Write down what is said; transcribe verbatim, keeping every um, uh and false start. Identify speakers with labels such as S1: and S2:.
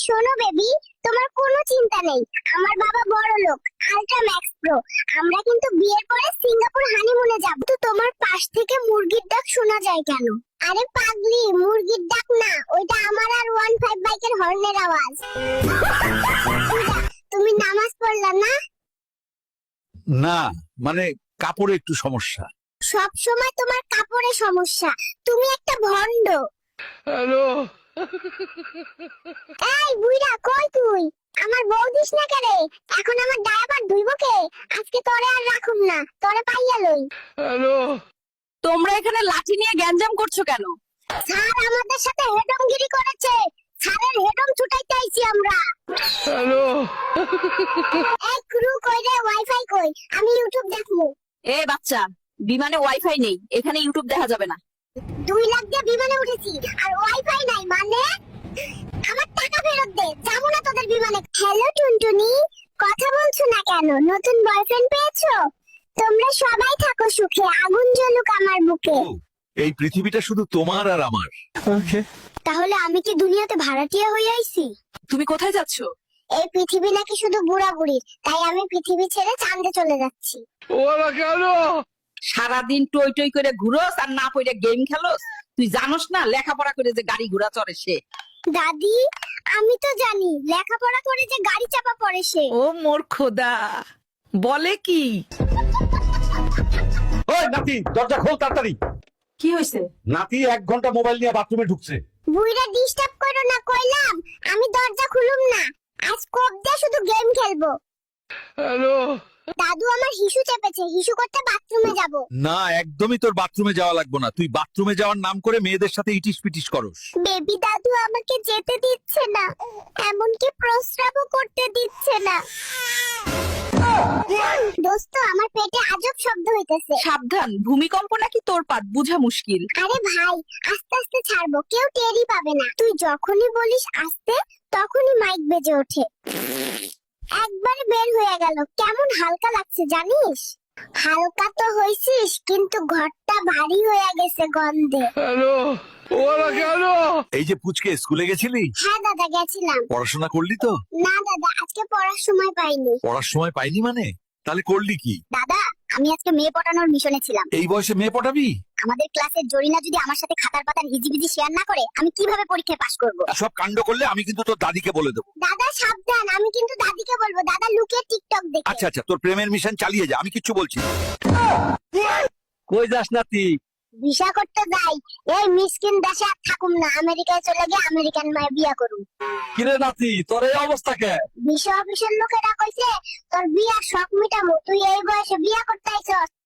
S1: শোনো বেবি, তোমার কোনো চিন্তা নেই। আমার বাবা বড় লোক, আল্ট্রা ম্যাক্স প্রো। আমরা কিন্তু বিয়ের পরে সিঙ্গাপুর হানিমুনে যাব। তো তোমার পাশ থেকে মুরগির ডাক শোনা যায় কেন? আরে পাগলি, মুরগির ডাক না, ওইটা আমার আর ওয়ান ফাইভ বাইকের হর্নের আওয়াজ। তুমি নামাজ পড়লা না?
S2: না, মানে কাপড়ে একটু সমস্যা।
S1: সব সময় তোমার কাপড়ে সমস্যা। তুমি একটা ভন্ড।
S3: হ্যালো।
S1: এই বুইড়া, কই তুই? আমার বউ দিস না কেরে? এখন আমার ডায়াপার ধুইবো কে? আজকে তোরে আর রাখুম না, তোরে পাইয়া লই।
S3: হ্যালো।
S4: তোমরা এখানে লাঠি নিয়ে গ্যাঞ্জাম করছো কেন?
S1: স্যার আমাদের সাথে হেডমগিরি করেছে। স্যারের হেডম ছুটাইতে আইছি আমরা।
S3: হ্যালো।
S1: এই ক্রু কই রে? ওয়াইফাই কই? আমি ইউটিউব দেখবো।
S4: এ বাচ্চা, বিমানে ওয়াইফাই নেই, এখানে ইউটিউব দেখা যাবে না।
S1: দুই লাখ দিয়ে বিমানে উঠেছি আর ওয়াইফাই নাই মানে? আমার টাকা ফেরত দে, যাবো না তোদের বিমানে। হ্যালো টুনটুনি, কথা বলছো না কেন? নতুন বয়ফ্রেন্ড পেয়েছো? তোমরা সবাই থাকো সুখে, আগুন জ্বলুক আমার বুকে।
S2: ও, এই পৃথিবীটা শুধু তোমার আর আমার।
S1: তাহলে আমি কি দুনিয়াতে ভাড়াটিয়া হয়ে আইছি?
S4: তুমি কোথায় যাচ্ছ?
S1: এই পৃথিবী নাকি শুধু বুড়া বুড়ির, তাই আমি পৃথিবী ছেড়ে চাঁদে চলে যাচ্ছি।
S3: ওরা কেন?
S4: সারাদিন টই টই করে ঘুরোস আর না পড়ে গেম খেলোস। তুই জানোস না লেখাপড়া করে যে গাড়ি ঘোড়া চড়ে সে?
S1: দাদি, আমি তো জানি লেখাপড়া করে যে গাড়ি চাপা পড়ে সে।
S4: ও মোর খোদা, বলে কি?
S2: ওই নাতি, দরজা খোল তাড়াতাড়ি।
S4: কি হয়েছে?
S2: নাতি এক ঘন্টা মোবাইল নিয়ে বাথরুমে ঢুকছে।
S1: বুইরা ডিস্টার্ব করো না কইলাম। আমি দরজা খুলুম না, আজ কোপ দিয়ে শুধু গেম খেলবো।
S3: হ্যালো।
S1: দাদু আমার হিসু চেপেছে, হিসু করতে বাথরুমে যাব।
S2: না, একদমই তোর বাথরুমে যাওয়া লাগবে না। তুই বাথরুমে যাওয়ার নাম করে মেয়েদের সাথে ইটিস পিটিস করস।
S1: বেবি দাদু আমাকে যেতে দিচ্ছে না, এমনকি প্রস্রাবও করতে দিচ্ছে না। দোস্ত, আমার পেটে আজব শব্দ হইতেছে।
S4: সাবধান, ভূমিকম্প নাকি তোর পাত বুঝা মুশকিল।
S1: আরে ভাই, আস্তে আস্তে ছাড়বো, কেউ টেরই পাবে না। তুই যখনই বলিস আস্তে, তখনই মাইক বেজে ওঠে। একবারে বের হয়ে গেল। কেমন হালকা লাগছে জানিস? হালকা তো হইছিস, কিন্তু ঘরটা ভারী হয়ে গেছে গন্ধে।
S3: হ্যালো। ওরা কেন?
S2: এই যে পুচকে, স্কুলে গেছিলি?
S1: হ্যাঁ দাদা, গেছিলাম।
S2: পড়াশোনা করলি তো?
S1: না দাদা, আজকে পড়ার সময় পাইনি।
S2: পড়ার সময় পাইনি মানে? তাহলে করলি কি?
S1: দাদা, আমি আজকে মেয়ে পটানোর মিশনে ছিলাম।
S2: এই বয়সে মেয়ে পটাবি?
S1: আমাদের ক্লাসের জরিনা যদি আমার সাথে খাতার পাতার হিজিবিজি শেয়ার না করে, আমি কিভাবে পরীক্ষায় পাশ করব?
S2: সব কাণ্ড করলে আমি কিন্তু তোর দাদিকে বলে দেবো।
S1: দাদা সাবধান, আমি কিন্তু দাদিকে বলবো। দাদা লুকিয়ে টিকটক দেখে।
S2: আচ্ছা আচ্ছা, তোর প্রেমের মিশন চালিয়ে যা, আমি কিচ্ছু বলছি না। কই যাস নাতি?
S1: ভিসা করতে যাই। এই মিসকিন দেশে আর থাকুম না, আমেরিকায় চলে গিয়ে আমেরিকান মায়ের বিয়া করুম।
S2: কিরে নাতি, তোর এই অবস্থা কে?
S1: ভিসা অফিসের লোকেরা কইছে তোর বিয়ার শখ মিটামু, তুই এই বয়সে বিয়া করতে আইছস।